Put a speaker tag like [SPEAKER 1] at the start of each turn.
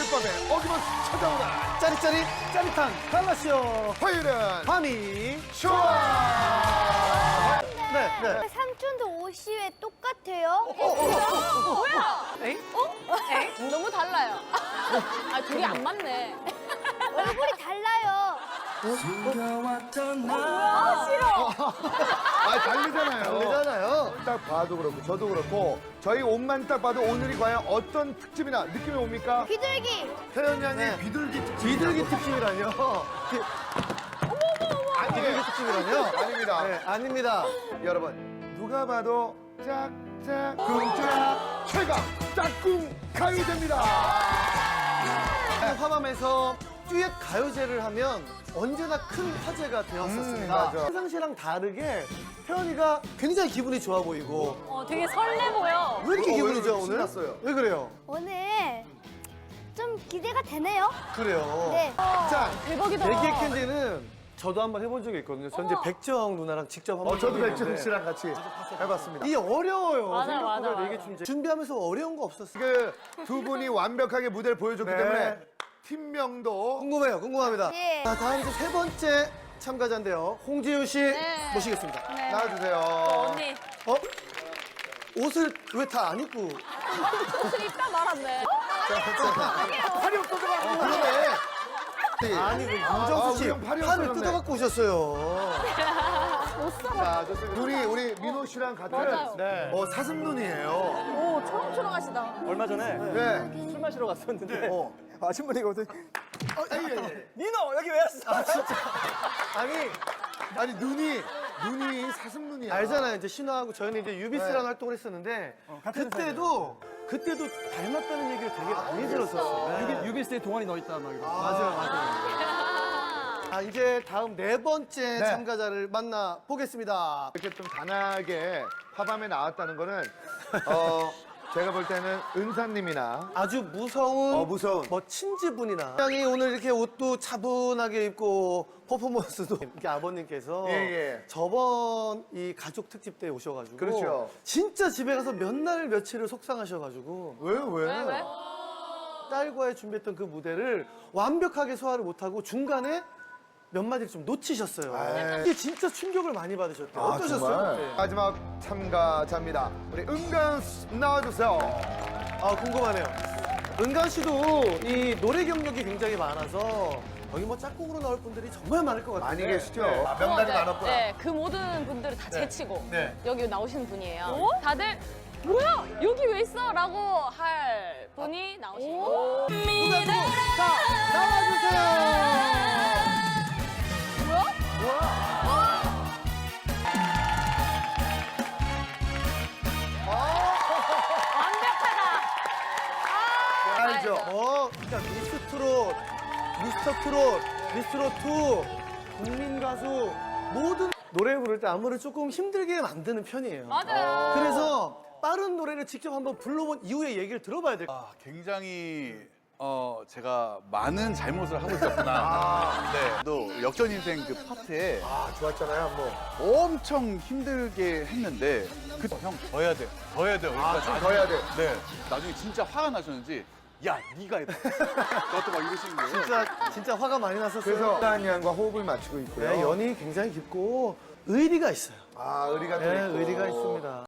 [SPEAKER 1] 밤에 어김없이 찾아오는
[SPEAKER 2] 짜릿짜릿 짜릿한 갈라쇼
[SPEAKER 1] 화요일은
[SPEAKER 2] 밤이
[SPEAKER 1] 좋아.
[SPEAKER 2] 네.
[SPEAKER 3] 삼촌도 옷이 왜 똑같아요?
[SPEAKER 4] 뭐야? 엥? 엥? 너무 달라요. 아, 둘이 안 맞네.
[SPEAKER 3] 얼굴이 달라요.
[SPEAKER 1] 아, 달리잖아요.
[SPEAKER 2] 달리잖아요.
[SPEAKER 1] 딱 봐도 그렇고 저도 그렇고 저희 옷만 딱 봐도 오늘이 과연 어떤 특집이나 느낌이 옵니까?
[SPEAKER 3] 비둘기.
[SPEAKER 1] 태연 양의
[SPEAKER 2] 네.
[SPEAKER 1] 비둘기 특집.
[SPEAKER 2] 비둘기 특집이라뇨. 비둘기 특집이라뇨?
[SPEAKER 1] 아닙니다.
[SPEAKER 2] 네, 아닙니다.
[SPEAKER 1] 여러분 누가 봐도 짝짝 꿍짝 최강 짝꿍 가요제입니다.
[SPEAKER 2] 화밤에서 듀엣 가요제를 하면 언제나 큰 화제가 되었었습니다.
[SPEAKER 1] 맞아.
[SPEAKER 2] 평상시랑 다르게 태연이가 굉장히 기분이 좋아 보이고
[SPEAKER 4] 되게 설레 보여.
[SPEAKER 2] 왜 이렇게 기분이
[SPEAKER 1] 왜
[SPEAKER 2] 좋아 오늘?
[SPEAKER 1] 신났어요?
[SPEAKER 2] 왜 그래요?
[SPEAKER 3] 오늘 좀 기대가 되네요.
[SPEAKER 2] 그래요.
[SPEAKER 3] 네.
[SPEAKER 1] 자,
[SPEAKER 4] 대박이다.
[SPEAKER 2] 대기의 캔디는 저도 한번 해본 적이 있거든요. 전 이제 백정 누나랑 직접 한번
[SPEAKER 1] 저도
[SPEAKER 2] 해본
[SPEAKER 1] 백준
[SPEAKER 2] 적이
[SPEAKER 1] 씨랑 같이 해봤습니다.
[SPEAKER 2] 이게 어려워요.
[SPEAKER 4] 맞아,
[SPEAKER 2] 생각보다
[SPEAKER 4] 맞아,
[SPEAKER 2] 되게
[SPEAKER 4] 맞아.
[SPEAKER 2] 준비하면서 어려운 거 없었어요.
[SPEAKER 1] 그 두 분이 완벽하게 무대를 보여줬기
[SPEAKER 2] 네.
[SPEAKER 1] 때문에 팀명도
[SPEAKER 2] 궁금합니다.
[SPEAKER 3] 네.
[SPEAKER 2] 자, 다음 이제 세 번째 참가자인데요. 홍지윤 씨
[SPEAKER 4] 네.
[SPEAKER 2] 모시겠습니다.
[SPEAKER 4] 네.
[SPEAKER 1] 나와주세요.
[SPEAKER 4] 언니,
[SPEAKER 2] 어? 옷을 왜 다 안 입고?
[SPEAKER 4] 옷을 입다 말았네.
[SPEAKER 1] 팔이 없어져가지고.
[SPEAKER 2] 그러네. 아니, 그 윤정수 씨
[SPEAKER 1] 우리 형 팔이
[SPEAKER 2] 팔을
[SPEAKER 1] 없어졌네.
[SPEAKER 2] 뜯어갖고 오셨어요.
[SPEAKER 1] 자, 좋습니다. 우리 민호 씨랑 같은
[SPEAKER 4] 맞아요.
[SPEAKER 2] 네.
[SPEAKER 1] 사슴 눈이에요.
[SPEAKER 4] 오, 초롱초롱하시다.
[SPEAKER 5] 얼마 전에
[SPEAKER 1] 네.
[SPEAKER 5] 술 마시러 갔었는데
[SPEAKER 1] 어.
[SPEAKER 5] 아주머니가 오더니
[SPEAKER 1] 예.
[SPEAKER 5] 민호 여기 왜 왔어?
[SPEAKER 1] 아니 눈이 사슴 눈이야.
[SPEAKER 2] 알잖아요. 이제 신화하고 저희는 이제 유비스라는
[SPEAKER 1] 네.
[SPEAKER 2] 활동을 했었는데
[SPEAKER 5] 같은
[SPEAKER 2] 그때도 닮았다는 얘기를 되게 많이 들었었어요. 네.
[SPEAKER 5] 유비스에 동안이 넣어 있다 막 이러고.
[SPEAKER 2] 맞아요. 아, 이제 다음 네 번째
[SPEAKER 1] 네.
[SPEAKER 2] 참가자를 만나 보겠습니다.
[SPEAKER 1] 이렇게 좀 단아하게 화밤에 나왔다는 거는 제가 볼 때는 은사님이나
[SPEAKER 2] 아주 무서운,
[SPEAKER 1] 무서운.
[SPEAKER 2] 뭐 친지분이나 굉장히 오늘 이렇게 옷도 차분하게 입고 퍼포먼스도 이렇게 아버님께서
[SPEAKER 1] 예.
[SPEAKER 2] 저번 이 가족 특집 때 오셔가지고
[SPEAKER 1] 그렇죠.
[SPEAKER 2] 진짜 집에 가서 몇 날 며칠을 속상하셔가지고
[SPEAKER 1] 왜?
[SPEAKER 2] 딸과의 준비했던 그 무대를 완벽하게 소화를 못하고 중간에 몇 마디를 좀 놓치셨어요.
[SPEAKER 1] 에이.
[SPEAKER 2] 이게 진짜 충격을 많이 받으셨대요. 어떠셨어요?
[SPEAKER 1] 정말?
[SPEAKER 2] 네.
[SPEAKER 1] 마지막 참가자입니다. 우리 은간 나와주세요.
[SPEAKER 2] 아, 궁금하네요. 은간 씨도 이 노래 경력이 굉장히 많아서 여기 뭐 짝꿍으로 나올 분들이 정말 많을 것 같아요.
[SPEAKER 1] 많이 계시죠?
[SPEAKER 2] 네.
[SPEAKER 1] 명단이
[SPEAKER 4] 네,
[SPEAKER 1] 많았구나.
[SPEAKER 4] 네, 그 모든 분들을 다 제치고
[SPEAKER 2] 네.
[SPEAKER 4] 여기 나오시는 분이에요. 다들 뭐야? 여기 왜 있어? 라고 할 분이 나오시는 거.
[SPEAKER 2] 누가 누구? 자, 나와주세요.
[SPEAKER 4] 완벽하다.
[SPEAKER 1] 알죠?
[SPEAKER 2] 그러니까 미스트롯, 미스터트롯, 미스트롯2, 국민가수 모든 노래 부를 때 안무를 조금 힘들게 만드는 편이에요.
[SPEAKER 4] 맞아요.
[SPEAKER 2] 그래서 빠른 노래를 직접 한번 불러본 이후에 얘기를 들어봐야 될 것 같아요.
[SPEAKER 6] 굉장히 제가 많은 잘못을 하고 있었구나. 네. 또 역전 인생 그 파트에
[SPEAKER 1] 좋았잖아요, 한번.
[SPEAKER 6] 엄청 힘들게 했는데 형 더 해야 돼. 더 해야 돼.
[SPEAKER 1] 좀 더 해야 돼.
[SPEAKER 6] 네. 나중에 진짜 화가 나셨는지 야, 네가 해봐. 너도 막 이러시는 거예요.
[SPEAKER 2] 진짜 화가 많이 났었어요.
[SPEAKER 1] 그래서 은간 양과 호흡을 맞추고 있고요.
[SPEAKER 2] 네, 연이 굉장히 깊고 의리가 있어요.
[SPEAKER 1] 의리가 또
[SPEAKER 2] 네,
[SPEAKER 1] 있고.
[SPEAKER 2] 의리가 있습니다.